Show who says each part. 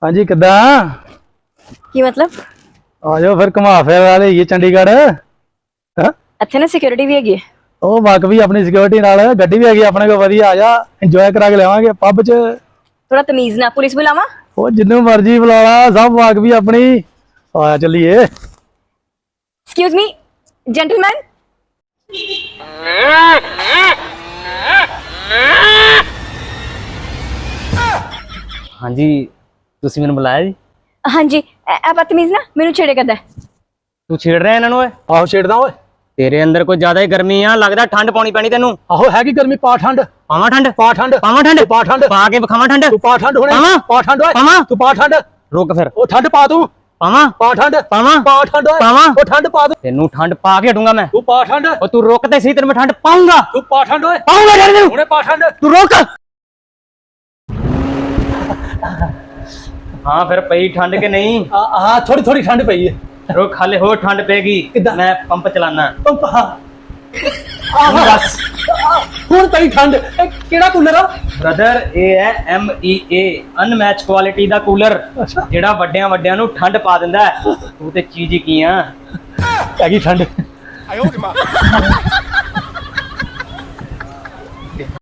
Speaker 1: हाँ जी किदा
Speaker 2: की मतलब
Speaker 1: आ जाओ फिर घुमा फिर वाले ये चंडीगढ़ हाँ?
Speaker 2: ਇੱਥੇ ਨਾ ਸਿਕਿਉਰਿਟੀ ਵੀ ਹੈਗੀ ਹੈ।
Speaker 1: ਉਹ ਵਕ ਵੀ ਆਪਣੀ ਸਿਕਿਉਰਿਟੀ ਨਾਲ ਗੱਡੀ ਵੀ ਹੈਗੀ ਆਪਣੇ ਕੋਲ ਵਧੀਆ ਆ ਜਾ ਇੰਜੋਏ ਕਰਾ ਕੇ ਲਿਆਵਾਂਗੇ ਪੱਬ 'ਚ
Speaker 2: ਥੋੜਾ ਤਮੀਜ਼ ਨਾਲ ਪੁਲਿਸ ਬੁਲਾਵਾ।
Speaker 1: ਉਹ ਜਿੰਨੂੰ ਮਰਜ਼ੀ ਬੁਲਾ ਲਾ ਸਭ ਵਕ ਵੀ ਆਪਣੀ ਆ ਚੱਲੀਏ।
Speaker 2: Excuse me gentleman.
Speaker 3: हाँ जी तुसी मैंने बुलाया जी।
Speaker 2: हाँ जी ए बदतमीज ना मेनू छेड़े करदा है।
Speaker 3: तू छेड़ रहा है इन्होंने ओए?
Speaker 1: ਆਹੋ ਛੇੜਦਾ ਓਏ
Speaker 3: तेरे अंदर कोई ज्यादा ही गर्मी आ लगदा ठंड पानी पैनी तेनू।
Speaker 1: ਆਹੋ ਹੈਗੀ ਗਰਮੀ ਪਾ ਠੰਡ
Speaker 3: पावा ठंड
Speaker 1: ਪਾ ਠੰਡ
Speaker 3: पावा ठंड
Speaker 1: ਪਾ ਠੰਡ
Speaker 3: पा के बखावा ठंड।
Speaker 1: ਤੂੰ ਪਾ ਠੰਡ ਹੁਣੇ
Speaker 3: ਪਾਵਾਂ?
Speaker 1: ਪਾ ਠੰਡ ਓਏ
Speaker 3: ਪਾਵਾਂ?
Speaker 1: ਤੂੰ ਪਾ ਠੰਡ
Speaker 3: रुक फिर
Speaker 1: ਉਹ ਠੰਡ ਪਾ ਤੂੰ
Speaker 3: पावा
Speaker 1: ਪਾ ਠੰਡ
Speaker 3: पावा
Speaker 1: ਪਾ ਠੰਡ ਓਏ
Speaker 3: ਪਾਵਾਂ?
Speaker 1: ਉਹ ਠੰਡ ਪਾ ਤੂੰ
Speaker 3: तेनू ठंड पा के हटूंगा मैं।
Speaker 1: ਤੂੰ ਪਾ ਠੰਡ
Speaker 3: और तू रोकते सही तेरे में ठंड पाऊंगा
Speaker 1: ਤੂੰ ਪਾ ਠੰਡ ਓਏ
Speaker 3: पाऊंगा तेरे तेनू।
Speaker 1: ਹੁਣੇ ਪਾ ਠੰਡ
Speaker 3: तू रोक। हाँ फिर पई ठंड के नहीं
Speaker 1: ਹਾਂ ਥੋੜੀ ਥੋੜੀ ਠੰਡ ਪਈ ਹੈ
Speaker 3: रुक हाले हो ठंड पेगी
Speaker 1: किद्दां?
Speaker 3: मैं पंप चलाना।
Speaker 1: ਪੰਪ ਹਾਂ
Speaker 3: तू दस
Speaker 1: ਹੁਣ ਪਈ ਠੰਡ ਇਹ ਕਿਹੜਾ ਕੂਲਰ ਆ
Speaker 3: ब्रदर ए है MEA अनमैच क्वालिटी दा कूलर जेड़ा वड्डियां वड्डियां नु ठंड पा दिंदा है। तू ते चीज ही की आ
Speaker 1: ਹੈਗੀ ਠੰਡ